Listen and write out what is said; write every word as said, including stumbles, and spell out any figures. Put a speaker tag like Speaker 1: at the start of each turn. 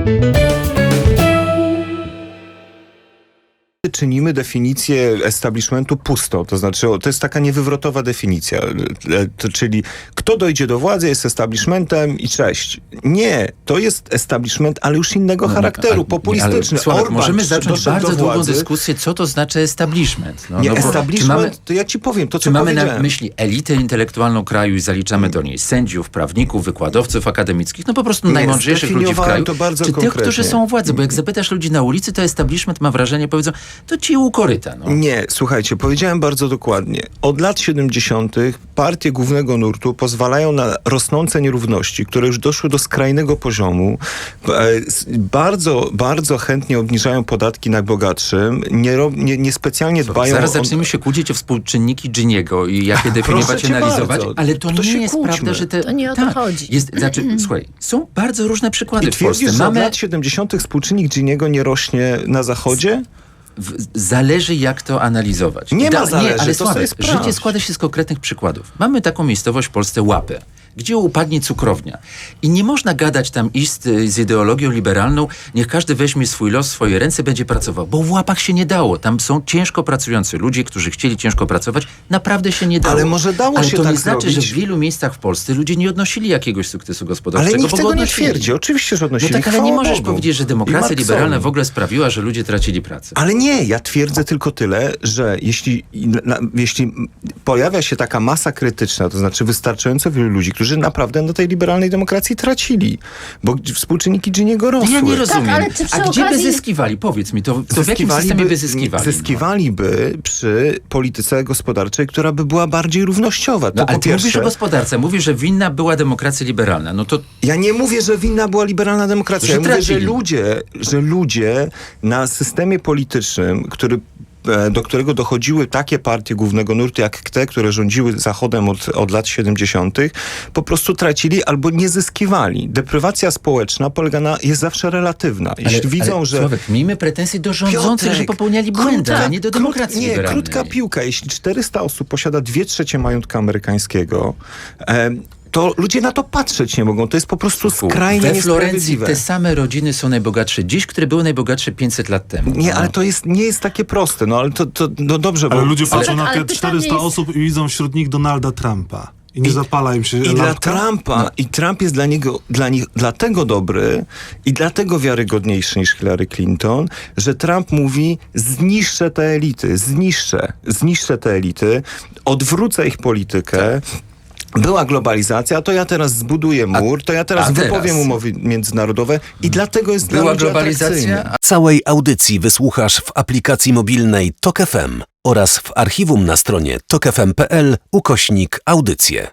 Speaker 1: Czynimy definicję establishmentu pustą, to znaczy to jest taka niewywrotowa definicja, to, czyli kto dojdzie do władzy jest establishmentem i cześć. Nie, to jest establishment, ale już innego
Speaker 2: no,
Speaker 1: charakteru,
Speaker 2: ale,
Speaker 1: populistyczny.
Speaker 2: Ale, Sławek,
Speaker 1: Orban
Speaker 2: możemy zacząć bardzo
Speaker 1: do
Speaker 2: długą
Speaker 1: władzy.
Speaker 2: dyskusję, co to znaczy establishment. No,
Speaker 1: nie,
Speaker 2: no,
Speaker 1: establishment,
Speaker 2: mamy,
Speaker 1: to ja ci powiem to, co
Speaker 2: Czy mamy
Speaker 1: powiedziałem.
Speaker 2: na myśli elitę intelektualną kraju i zaliczamy do niej sędziów, prawników, wykładowców akademickich, no po prostu
Speaker 1: nie,
Speaker 2: najmądrzejszych ludzi w kraju,
Speaker 1: to bardzo
Speaker 2: czy
Speaker 1: konkretnie.
Speaker 2: tych, którzy są u władzy, bo jak zapytasz ludzi na ulicy, to establishment ma wrażenie, powiedzą, to ci u koryta. No.
Speaker 1: Nie, słuchajcie, powiedziałem bardzo dokładnie. Od lat siedemdziesiątych partie głównego nurtu pozwalają na rosnące nierówności, które już doszły do skrajnego poziomu. Bardzo, bardzo chętnie obniżają podatki najbogatszym, nie, nie, niespecjalnie dbają
Speaker 2: Zaraz
Speaker 1: o...
Speaker 2: zaczniemy się kłócić o współczynniki Giniego i jak je definiować i analizować,
Speaker 1: bardzo.
Speaker 2: ale to,
Speaker 1: To
Speaker 2: nie
Speaker 1: się
Speaker 2: jest
Speaker 1: kłóćmy.
Speaker 2: prawda, że te...
Speaker 3: To nie o to
Speaker 2: tak,
Speaker 3: chodzi.
Speaker 2: Jest, znaczy, słuchaj, są bardzo różne przykłady
Speaker 1: I
Speaker 2: w Polsce.
Speaker 1: twierdzisz, że od
Speaker 2: Mamy...
Speaker 1: lat siedemdziesiątych współczynnik Giniego nie rośnie na zachodzie?
Speaker 2: W, zależy jak to analizować.
Speaker 1: Nie ma
Speaker 2: Da,
Speaker 1: zależy,
Speaker 2: nie, ale
Speaker 1: to sobie
Speaker 2: Sławek,
Speaker 1: sprawdź.
Speaker 2: życie składa się z konkretnych przykładów. Mamy taką miejscowość w Polsce Łapę, gdzie upadnie cukrownia. I nie można gadać tam iść z, z ideologią liberalną, niech każdy weźmie swój los w swoje ręce, będzie pracował. Bo w Łapach się nie dało. Tam są ciężko pracujący ludzie, którzy chcieli ciężko pracować. Naprawdę się nie dało.
Speaker 1: Ale może dało
Speaker 2: Ale
Speaker 1: się
Speaker 2: to
Speaker 1: tak
Speaker 2: nie znaczy,
Speaker 1: zrobić.
Speaker 2: że w wielu miejscach w Polsce ludzie nie odnosili jakiegoś sukcesu gospodarczego.
Speaker 1: Ale nikt
Speaker 2: bo
Speaker 1: tego
Speaker 2: go
Speaker 1: nie
Speaker 2: odnosili.
Speaker 1: twierdzi. Oczywiście, że
Speaker 2: No
Speaker 1: odnosili.
Speaker 2: tak, ale
Speaker 1: Chwała
Speaker 2: nie możesz
Speaker 1: Bogu.
Speaker 2: powiedzieć, że
Speaker 1: I
Speaker 2: demokracja
Speaker 1: Marksowi.
Speaker 2: liberalna w ogóle sprawiła, że ludzie tracili pracę.
Speaker 1: Ale nie, ja twierdzę tylko tyle, że jeśli, na, jeśli pojawia się taka masa krytyczna, to znaczy wystarczająco wielu ludzi, którzy naprawdę na tej liberalnej demokracji tracili, bo współczynniki Giniego rosły.
Speaker 2: Ja nie rozumiem.
Speaker 3: Tak, ale czy przy
Speaker 2: A gdzie by
Speaker 3: okazji-
Speaker 2: zyskiwali? Powiedz mi, to, to w jakim systemie by zyskiwali?
Speaker 1: Zyskiwaliby przy polityce gospodarczej, która by była bardziej równościowa. To
Speaker 2: No, ale
Speaker 1: po
Speaker 2: ty
Speaker 1: pierwsze,
Speaker 2: mówisz o gospodarce, mówisz, że winna była demokracja liberalna. No to
Speaker 1: ja nie mówię, że winna była liberalna demokracja.
Speaker 2: Że
Speaker 1: Ja mówię, że
Speaker 2: tracili.
Speaker 1: ludzie, że ludzie na systemie politycznym, który do którego dochodziły takie partie głównego nurtu, jak te, które rządziły Zachodem od, od lat siedemdziesiątych, po prostu tracili albo nie zyskiwali. Deprywacja społeczna polega na, jest zawsze relatywna. Jeśli
Speaker 2: ale,
Speaker 1: widzą,
Speaker 2: ale,
Speaker 1: że...
Speaker 2: Sławek, miejmy pretensje do rządzących,
Speaker 1: Piotrek,
Speaker 2: że popełniali błędy,
Speaker 1: krótka-
Speaker 2: a nie do demokracji
Speaker 1: krót, Nie,
Speaker 2: liberalnej.
Speaker 1: krótka piłka. Jeśli czterysta osób posiada dwie trzecie majątka amerykańskiego, em, to ludzie na to patrzeć nie mogą. To jest po prostu skrajnie
Speaker 2: We Florencji
Speaker 1: niesprawiedliwe.
Speaker 2: te same rodziny są najbogatsze dziś, które były najbogatsze pięćset lat temu.
Speaker 1: Nie,
Speaker 2: No.
Speaker 1: ale to jest, nie jest takie proste. No ale to, to no dobrze,
Speaker 4: Ale
Speaker 1: bo...
Speaker 4: ludzie patrzą
Speaker 3: ale-
Speaker 4: na
Speaker 3: ale
Speaker 4: te
Speaker 3: pytanie
Speaker 4: czterysta
Speaker 3: jest-
Speaker 4: osób i widzą wśród nich Donalda Trumpa. I nie
Speaker 1: I-
Speaker 4: zapala im się
Speaker 1: I dla
Speaker 4: lampka.
Speaker 1: Trumpa, i Trump jest dla niego, dla nich dlatego dobry i dlatego wiarygodniejszy niż Hillary Clinton, że Trump mówi, zniszczę te elity, zniszczę, zniszczę te elity, odwrócę ich politykę. Była globalizacja, to ja teraz zbuduję mur, to ja teraz
Speaker 2: a teraz?
Speaker 1: wypowiem umowy międzynarodowe i dlatego jest
Speaker 2: Była
Speaker 1: dla ludzi
Speaker 2: globalizacja,
Speaker 1: atrakcyjny.
Speaker 2: a
Speaker 5: Całej audycji wysłuchasz w aplikacji mobilnej Tok F M oraz w archiwum na stronie tok f m kropka p l ukośnik audycje.